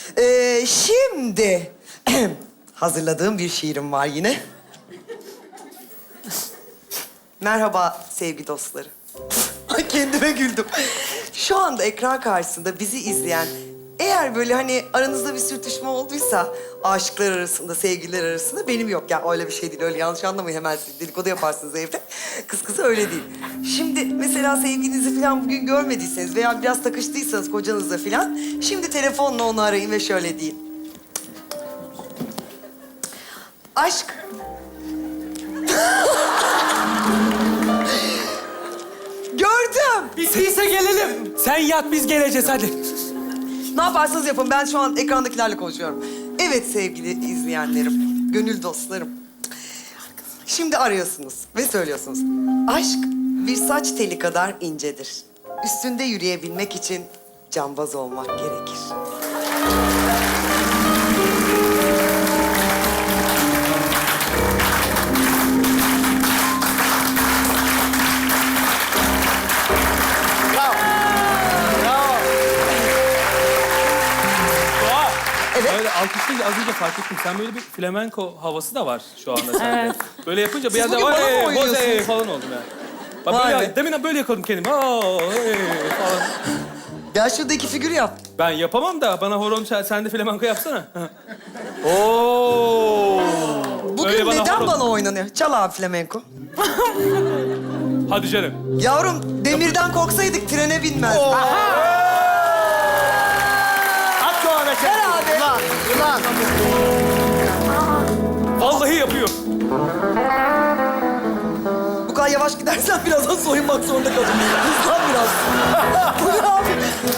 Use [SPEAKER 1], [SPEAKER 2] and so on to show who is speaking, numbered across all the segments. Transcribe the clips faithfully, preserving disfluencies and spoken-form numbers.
[SPEAKER 1] Ee, şimdi hazırladığım bir şiirim var yine. Merhaba sevgili dostları. Ay, kendime güldüm. Şu anda ekran karşısında bizi izleyen, eğer böyle hani aranızda bir sürtüşme olduysa aşıklar arasında, sevgililer arasında, benim yok ya. Öyle bir şey değil, öyle yanlış anlamayın, hemen dedikodu yaparsınız evde. Kız kıza öyle değil. Şimdi mesela sevgilinizi falan bugün görmediyseniz veya biraz takıştıysanız kocanızla falan, şimdi telefonla onu arayın ve şöyle deyin. Aşk. Gördüm.
[SPEAKER 2] Bittiyse gelelim. Sen yat, biz geleceğiz hadi.
[SPEAKER 1] Ne yaparsanız yapın. Ben şu an ekrandakilerle konuşuyorum. Evet sevgili izleyenlerim, gönül dostlarım. Şimdi arıyorsunuz ve söylüyorsunuz. Aşk bir saç teli kadar incedir. Üstünde yürüyebilmek için cambaz olmak gerekir.
[SPEAKER 2] Doğa.
[SPEAKER 1] Evet.
[SPEAKER 2] Böyle alkışlayınca az önce fark ettim. Sen böyle bir flamenko havası da var şu anda sende.
[SPEAKER 3] Evet.
[SPEAKER 2] Böyle yapınca bir
[SPEAKER 1] Siz
[SPEAKER 2] yerde
[SPEAKER 1] bugün
[SPEAKER 2] var
[SPEAKER 1] bana mı
[SPEAKER 2] hey,
[SPEAKER 1] oynuyorsunuz?
[SPEAKER 2] hey falan oldum yani. Bak
[SPEAKER 1] Vay
[SPEAKER 2] böyle,
[SPEAKER 1] be.
[SPEAKER 2] demin böyle yakaladım kendimi. Aa, hey falan.
[SPEAKER 1] Gel şurada iki figür yap.
[SPEAKER 2] Ben yapamam da bana horon çal, sen de flamenko yapsana. Oo.
[SPEAKER 1] Bugün
[SPEAKER 2] Öyle bana
[SPEAKER 1] neden
[SPEAKER 2] horon-
[SPEAKER 1] bana oynanıyor? Çal abi flamenko.
[SPEAKER 2] Hadi canım.
[SPEAKER 1] Yavrum, demirden korksaydık trene binmezdik.
[SPEAKER 2] At Doğa be sen.
[SPEAKER 1] Ver abi.
[SPEAKER 4] Ulan, ulan.
[SPEAKER 2] Vallahi yapıyor.
[SPEAKER 1] Bu kadar yavaş gidersen birazdan soyunmak zorunda kalırım. Hızlan biraz. Bu ne abi?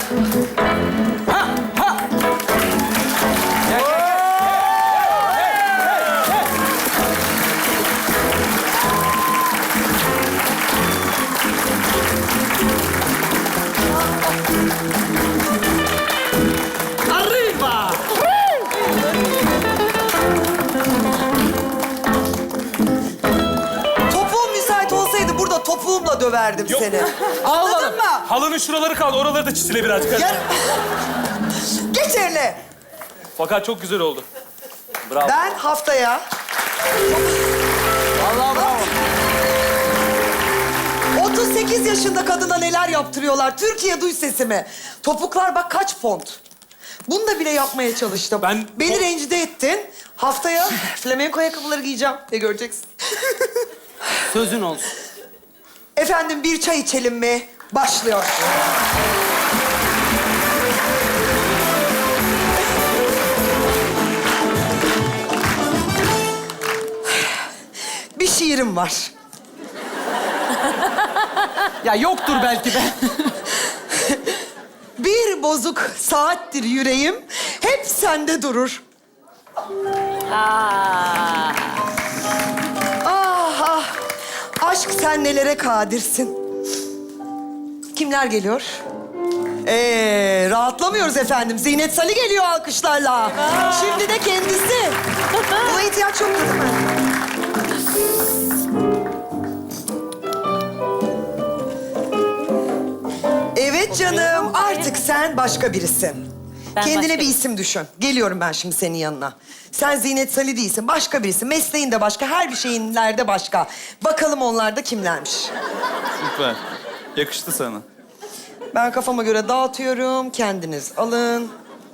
[SPEAKER 2] Arriba.
[SPEAKER 1] Topuğum müsait olsaydı burada topuğumla döverdim
[SPEAKER 2] Yok.
[SPEAKER 1] seni. Anladın mı?
[SPEAKER 2] Halının şuraları kaldı. Oraları da çizile birazcık.
[SPEAKER 1] Gel. Geç eline.
[SPEAKER 2] Fakat çok güzel oldu. Bravo.
[SPEAKER 1] Ben haftaya
[SPEAKER 4] Vallahi bravo.
[SPEAKER 1] otuz sekiz yaşında kadına neler yaptırıyorlar. Türkiye duy sesimi. Topuklar bak kaç font. Bunu da bile yapmaya çalıştım.
[SPEAKER 2] Ben-
[SPEAKER 1] Beni
[SPEAKER 2] o-
[SPEAKER 1] rencide ettin. Haftaya flamenko ayakkabıları giyeceğim ve göreceksin.
[SPEAKER 4] Sözün olsun.
[SPEAKER 1] Efendim bir çay içelim mi? Başlıyor. Bir şiirim var.
[SPEAKER 4] Ya yoktur belki de.
[SPEAKER 1] Bir bozuk saattir yüreğim, hep sende durur.
[SPEAKER 3] Aa.
[SPEAKER 1] Ah ah, aşk sen nelere kadirsin. Kimler geliyor? Ee, rahatlamıyoruz efendim. Zinet Salih geliyor alkışlarla. Şimdi de kendisi. Buna ihtiyaç yoktu değil mi? Evet canım, artık sen başka birisin.
[SPEAKER 3] Ben
[SPEAKER 1] Kendine
[SPEAKER 3] başka
[SPEAKER 1] bir isim düşün. Geliyorum ben şimdi senin yanına. Sen Zinet Salih değilsin, başka birisin. Mesleğin de başka, her bir şeyinlerde başka. Bakalım onlar da kimlermiş.
[SPEAKER 5] Süper. Yakıştı sana.
[SPEAKER 1] Ben kafama göre dağıtıyorum, kendiniz alın.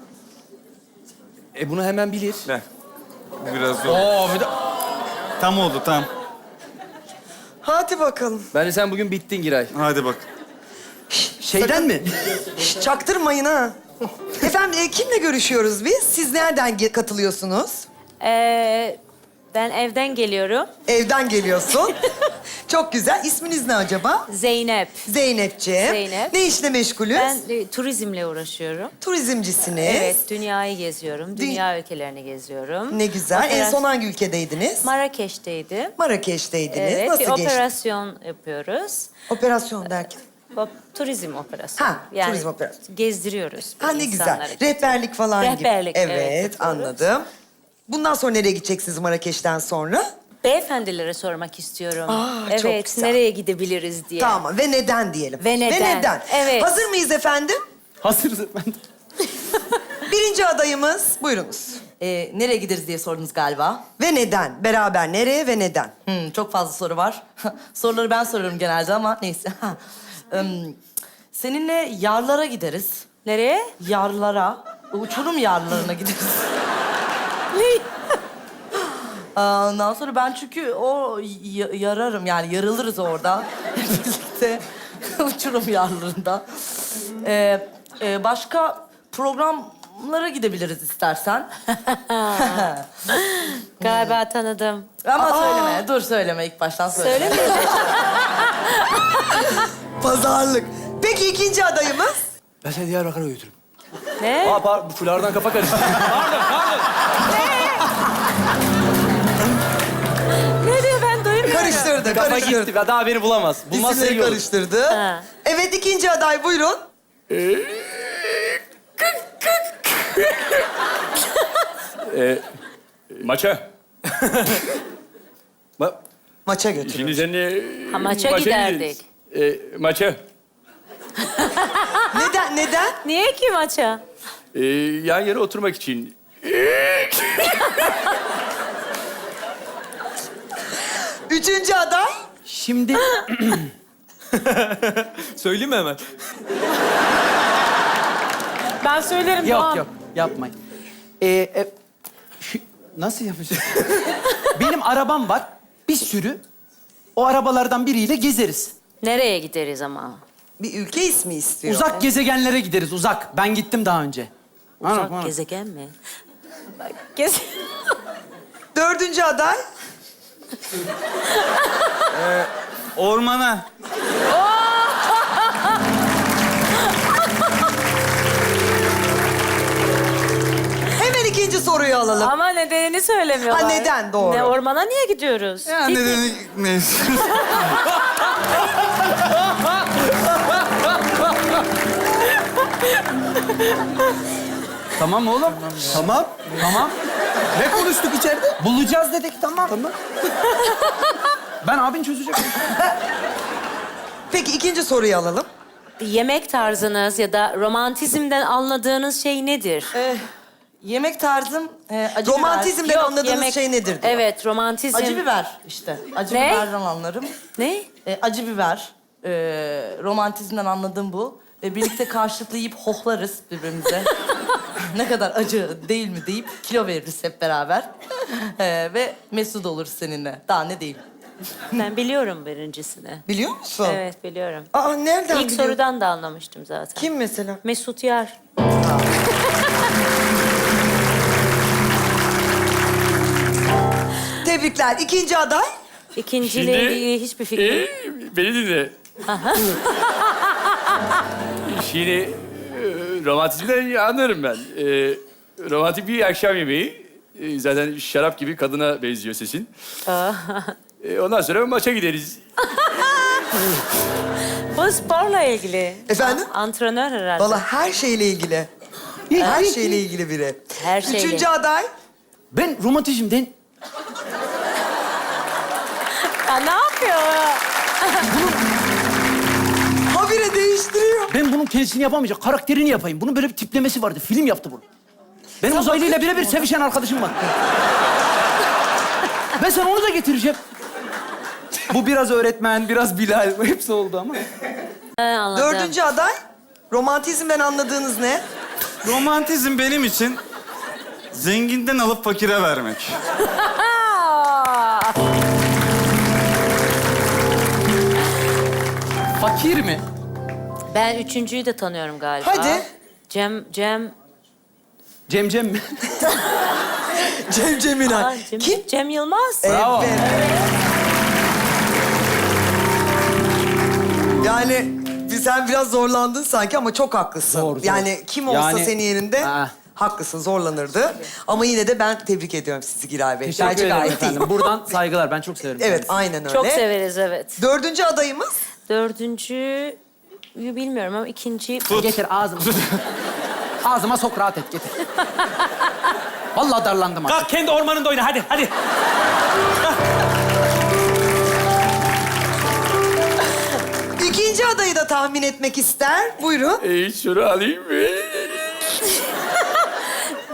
[SPEAKER 4] E bunu hemen bilir.
[SPEAKER 5] Ver. Bu biraz zor.
[SPEAKER 4] Oo, bir de...
[SPEAKER 5] Tam oldu tam.
[SPEAKER 1] Hadi bakalım.
[SPEAKER 4] Bence sen bugün bittin Giray.
[SPEAKER 5] Hadi bak.
[SPEAKER 4] Şeyden mi?
[SPEAKER 1] Şş, çaktırmayın ha. Efendim, e, kimle görüşüyoruz biz? Siz nereden ge- katılıyorsunuz?
[SPEAKER 3] Ee, ben evden geliyorum.
[SPEAKER 1] Evden geliyorsun. Çok güzel. İsminiz ne acaba?
[SPEAKER 3] Zeynep.
[SPEAKER 1] Zeynepciğim.
[SPEAKER 3] Zeynep.
[SPEAKER 1] Ne işle meşgulüz?
[SPEAKER 3] Ben e, turizmle uğraşıyorum.
[SPEAKER 1] Turizmcisiniz.
[SPEAKER 3] Evet, dünyayı geziyorum. Dünya ülkelerini geziyorum.
[SPEAKER 1] Ne güzel. En
[SPEAKER 3] Opera-
[SPEAKER 1] son hangi ülkedeydiniz?
[SPEAKER 3] Marrakeş'teydim.
[SPEAKER 1] Marrakeş'teydiniz.
[SPEAKER 3] Evet,
[SPEAKER 1] Nasıl
[SPEAKER 3] bir
[SPEAKER 1] geçti?
[SPEAKER 3] operasyon yapıyoruz.
[SPEAKER 1] Operasyon derken?
[SPEAKER 3] Op- turizm operasyonu.
[SPEAKER 1] Ha, turizm operasyonu.
[SPEAKER 3] Gezdiriyoruz.
[SPEAKER 1] Ha ne güzel.
[SPEAKER 3] insanları.
[SPEAKER 1] Rehberlik falan
[SPEAKER 3] Rehberlik,
[SPEAKER 1] gibi.
[SPEAKER 3] evet,
[SPEAKER 1] Evet,
[SPEAKER 3] yapıyoruz.
[SPEAKER 1] anladım. Bundan sonra nereye gideceksiniz Marrakeş'ten sonra?
[SPEAKER 3] Beyefendilere sormak istiyorum.
[SPEAKER 1] Aa, çok
[SPEAKER 3] evet,
[SPEAKER 1] güzel.
[SPEAKER 3] nereye gidebiliriz diye.
[SPEAKER 1] Tamam. Ve neden diyelim.
[SPEAKER 3] Ve neden? Evet.
[SPEAKER 1] Hazır mıyız efendim?
[SPEAKER 4] Hazırız efendim.
[SPEAKER 1] Birinci adayımız, buyurunuz.
[SPEAKER 6] Ee, nereye gideriz diye sordunuz galiba.
[SPEAKER 1] Ve neden? Beraber nereye ve neden?
[SPEAKER 6] Hmm, çok fazla soru var. Soruları ben soruyorum genelde ama neyse. Im, seninle yarlara gideriz.
[SPEAKER 3] Nereye?
[SPEAKER 6] Yarlara. Uçurum yarlarına gideriz.
[SPEAKER 3] Ne?
[SPEAKER 6] Aa, Ondan sonra ben çünkü o y- yararım yani yarılırız orada. Birlikte uçurum yarlarında. Ee, e, başka programlara gidebiliriz istersen.
[SPEAKER 3] Galiba tanıdım.
[SPEAKER 6] Ama söyleme, dur söyleme ilk baştan söyleme.
[SPEAKER 3] Söylemiyorum.
[SPEAKER 1] Pazarlık. Peki ikinci adayımız?
[SPEAKER 4] Ben seni Diyarbakır'a götürürüm.
[SPEAKER 3] Ne?
[SPEAKER 4] Aa, pardon, fulardan kafa karıştı.
[SPEAKER 2] Pardon, pardon.
[SPEAKER 3] Ne diyor ben duymuyorum.
[SPEAKER 1] Karıştırdı,
[SPEAKER 4] Kafa
[SPEAKER 1] karıştırdı.
[SPEAKER 4] gitti. Daha beni bulamaz. Bulmazsa
[SPEAKER 1] İsimleri
[SPEAKER 4] iyi olur.
[SPEAKER 1] karıştırdı.
[SPEAKER 3] Ha.
[SPEAKER 1] Evet, ikinci aday buyurun.
[SPEAKER 7] Maça.
[SPEAKER 4] Bak,
[SPEAKER 1] Maça götürün.
[SPEAKER 7] Şimdi seninle...
[SPEAKER 3] Ha, maça
[SPEAKER 7] gideriz.
[SPEAKER 3] giderdik.
[SPEAKER 7] E, maça.
[SPEAKER 1] Neden, neden?
[SPEAKER 3] Niye ki maça?
[SPEAKER 7] E, yan yana oturmak için.
[SPEAKER 1] Üçüncü aday?
[SPEAKER 4] şimdi...
[SPEAKER 2] Söyleyeyim mi hemen?
[SPEAKER 3] Ben söylerim
[SPEAKER 4] yok
[SPEAKER 3] Doğan.
[SPEAKER 4] yok, yapmayın. Ee, e, şu- nasıl yapacağız? Benim arabam var, bir sürü. O arabalardan biriyle gezeriz.
[SPEAKER 3] Nereye gideriz ama?
[SPEAKER 1] Bir ülke ismi istiyor.
[SPEAKER 4] Uzak gezegenlere gideriz, uzak. Ben gittim daha önce.
[SPEAKER 3] Uzak
[SPEAKER 4] Anam, anam.
[SPEAKER 3] gezegen mi? Bak, gez...
[SPEAKER 1] Dördüncü aday?
[SPEAKER 5] Ormana.
[SPEAKER 1] Hemen ikinci soruyu alalım.
[SPEAKER 3] Ama nedenini söylemiyorlar.
[SPEAKER 1] Ha, neden? Doğru.
[SPEAKER 3] Ne, ormana niye gidiyoruz?
[SPEAKER 5] Ya
[SPEAKER 3] Piknik.
[SPEAKER 5] nedeni neyse.
[SPEAKER 4] Tamam oğlum. Tamam. Tamam. Ne konuştuk içeride? Bulacağız dedik, tamam. Tamam. Ben abin çözecek.
[SPEAKER 1] Peki ikinci soruyu alalım.
[SPEAKER 3] Yemek tarzınız ya da romantizmden anladığınız şey nedir?
[SPEAKER 6] Ee, yemek tarzım e, acı
[SPEAKER 1] Romantizmden
[SPEAKER 3] Yok,
[SPEAKER 1] anladığınız
[SPEAKER 3] yemek-
[SPEAKER 1] şey nedir? diyor.
[SPEAKER 3] Evet, romantizm.
[SPEAKER 6] biber. Acı biber işte. Acı
[SPEAKER 3] Ne?
[SPEAKER 6] biberden anlarım.
[SPEAKER 3] Ne?
[SPEAKER 6] E, acı biber. E, romantizmden anladığım bu. E, birlikte karşılıklı yiyip hohlarız birbirimize. Ne kadar acı değil mi deyip kilo veririz hep beraber. E, ve mesut oluruz seninle. Daha ne diyeyim.
[SPEAKER 3] Ben biliyorum birincisini.
[SPEAKER 1] Biliyor musun?
[SPEAKER 3] Evet, biliyorum.
[SPEAKER 1] Aa, nereden
[SPEAKER 3] İlk
[SPEAKER 1] biliyor?
[SPEAKER 3] sorudan da anlamıştım zaten.
[SPEAKER 1] Kim mesela?
[SPEAKER 3] Mesut Yar.
[SPEAKER 1] Tebrikler. İkinci aday?
[SPEAKER 3] İkinciyle
[SPEAKER 7] Şimdi-
[SPEAKER 3] ilgili hiçbir fikrim.
[SPEAKER 7] E, beni dinle. Şimdi e, romantizmden anlarım ben. E, romantik bir akşam yemeği. E, zaten şarap gibi kadına benziyor sesin. E, ondan sonra maça gideriz.
[SPEAKER 3] Bu sporla ilgili.
[SPEAKER 1] Efendim?
[SPEAKER 3] A- Antrenör herhalde.
[SPEAKER 1] Vallahi her şeyle ilgili. Her şeyle ilgili biri.
[SPEAKER 3] Her şeyle.
[SPEAKER 1] Üçüncü aday?
[SPEAKER 4] Ben romantizmden...
[SPEAKER 3] Ya ne yapıyor?
[SPEAKER 1] Habire değiştiriyor.
[SPEAKER 4] Ben bunun kendisini yapamayacak, karakterini yapayım. Bunun böyle bir tiplemesi vardı, film yaptı bunu. Benim uzaylıyla birebir sevişen arkadaşım var. Ben sana onu da getireceğim. Bu biraz öğretmen, biraz Bilal. Hepsi oldu ama.
[SPEAKER 3] He, anladım.
[SPEAKER 1] Dördüncü aday? Romantizmden anladığınız ne?
[SPEAKER 5] Romantizm benim için zenginden alıp fakire vermek.
[SPEAKER 3] Aa!
[SPEAKER 4] Fakir mi?
[SPEAKER 3] Ben üçüncüyü de tanıyorum galiba.
[SPEAKER 1] Hadi.
[SPEAKER 3] Cem, Cem...
[SPEAKER 4] Cem Cem mi?
[SPEAKER 1] Cem Cemilay.
[SPEAKER 3] Aa, Cem,
[SPEAKER 1] Kim?
[SPEAKER 3] Cem Yılmaz.
[SPEAKER 4] Bravo.
[SPEAKER 1] Evet. Yani bir- sen biraz zorlandın sanki ama çok haklısın.
[SPEAKER 4] Zor, zor.
[SPEAKER 1] Yani kim olsa
[SPEAKER 4] Yani-
[SPEAKER 1] senin yerinde
[SPEAKER 4] Ha.
[SPEAKER 1] haklısın, zorlanırdı. Ama yine de ben tebrik ediyorum sizi Giray Bey.
[SPEAKER 4] Teşekkür
[SPEAKER 1] Bence
[SPEAKER 4] ederim
[SPEAKER 1] gayet
[SPEAKER 4] efendim.
[SPEAKER 1] iyi.
[SPEAKER 4] Buradan saygılar. Ben çok severim.
[SPEAKER 1] Evet,
[SPEAKER 4] kendisini.
[SPEAKER 1] aynen öyle.
[SPEAKER 3] Çok severiz, evet.
[SPEAKER 1] Dördüncü adayımız?
[SPEAKER 3] Dördüncüyü bilmiyorum ama ikinci...
[SPEAKER 4] Getir ağzıma. Ağzıma sok, rahat et. Getir. Vallahi darlandım artık.
[SPEAKER 2] Kalk kendi ormanında oyna hadi hadi.
[SPEAKER 1] İkinci adayı da tahmin etmek ister. Buyurun.
[SPEAKER 7] E, şunu alayım mı?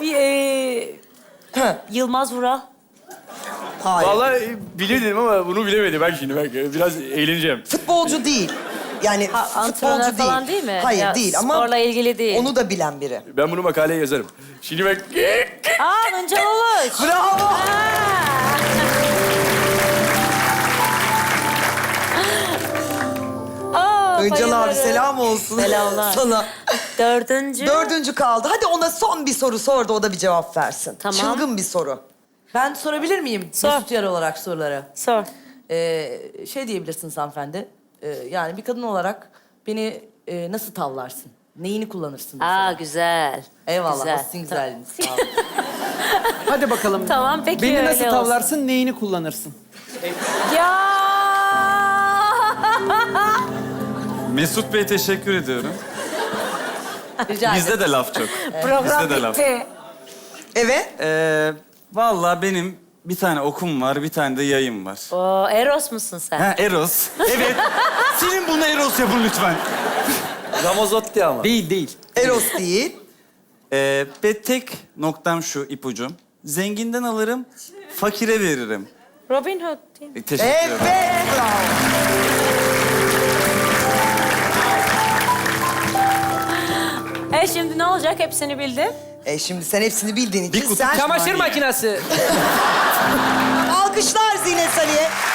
[SPEAKER 3] bir e, Yılmaz Vural.
[SPEAKER 1] Hayır.
[SPEAKER 7] Vallahi bilirdim ama bunu bilemedim ben şimdi. Bak biraz eğleneceğim.
[SPEAKER 1] Futbolcu değil. Yani
[SPEAKER 3] Ha, antrenör
[SPEAKER 1] futbolcu değil.
[SPEAKER 3] falan değil mi?
[SPEAKER 1] Hayır
[SPEAKER 3] Ya,
[SPEAKER 1] değil ama
[SPEAKER 3] sporla ilgili değil.
[SPEAKER 1] onu da bilen biri.
[SPEAKER 7] Ben bunu makaleye yazarım. Şimdi bak...
[SPEAKER 3] Aa, Hıncal Uluç.
[SPEAKER 1] Bravo.
[SPEAKER 3] Aa,
[SPEAKER 1] Öncal abi
[SPEAKER 3] bayılırım.
[SPEAKER 1] selam olsun.
[SPEAKER 3] Selamlar.
[SPEAKER 1] Sana.
[SPEAKER 3] Dördüncü.
[SPEAKER 1] Dördüncü kaldı. Hadi ona son bir soru sor da o da bir cevap versin.
[SPEAKER 3] Tamam.
[SPEAKER 1] Çılgın bir soru.
[SPEAKER 6] Ben sorabilir miyim?
[SPEAKER 3] Sor.
[SPEAKER 6] Mesut Yar olarak soruları.
[SPEAKER 3] Sor.
[SPEAKER 6] Ee, şey diyebilirsiniz hanımefendi. Ee, yani bir kadın olarak beni e, nasıl tavlarsın? Neyini kullanırsın? mesela?
[SPEAKER 3] Aa, güzel.
[SPEAKER 6] Eyvallah.
[SPEAKER 3] Güzel.
[SPEAKER 6] Sizin güzelliğiniz. Sağ olun.
[SPEAKER 4] Hadi bakalım.
[SPEAKER 3] Tamam, peki
[SPEAKER 4] Beni
[SPEAKER 3] öyle
[SPEAKER 4] nasıl
[SPEAKER 3] olsun.
[SPEAKER 4] tavlarsın, neyini kullanırsın?
[SPEAKER 3] Ya.
[SPEAKER 5] Mesut Bey teşekkür ediyorum.
[SPEAKER 6] Rica ederim.
[SPEAKER 5] Bizde de laf çok.
[SPEAKER 3] Program
[SPEAKER 5] Bizde de laf.
[SPEAKER 3] bitti.
[SPEAKER 1] Evet.
[SPEAKER 5] Ee, vallahi benim bir tane okum var, bir tane de yayım var.
[SPEAKER 3] Oo, Eros musun sen?
[SPEAKER 5] Ha, Eros. Evet. Senin bunu Eros yapın lütfen.
[SPEAKER 7] Ramazotti ama.
[SPEAKER 4] Değil, değil.
[SPEAKER 1] Eros değil.
[SPEAKER 5] Ee, ve tek noktam şu ipucum. Zenginden alırım, fakire veririm.
[SPEAKER 3] Robin Hood değil mi?
[SPEAKER 5] E, teşekkür
[SPEAKER 1] Evet.
[SPEAKER 5] ederim.
[SPEAKER 1] Bravo.
[SPEAKER 3] E şimdi ne olacak? Hepsini bildim.
[SPEAKER 1] E şimdi sen hepsini bildiğin için
[SPEAKER 5] Bir kutu
[SPEAKER 1] sen...
[SPEAKER 2] Çamaşır makinesi.
[SPEAKER 1] Alkışlar Zinet Ali'ye.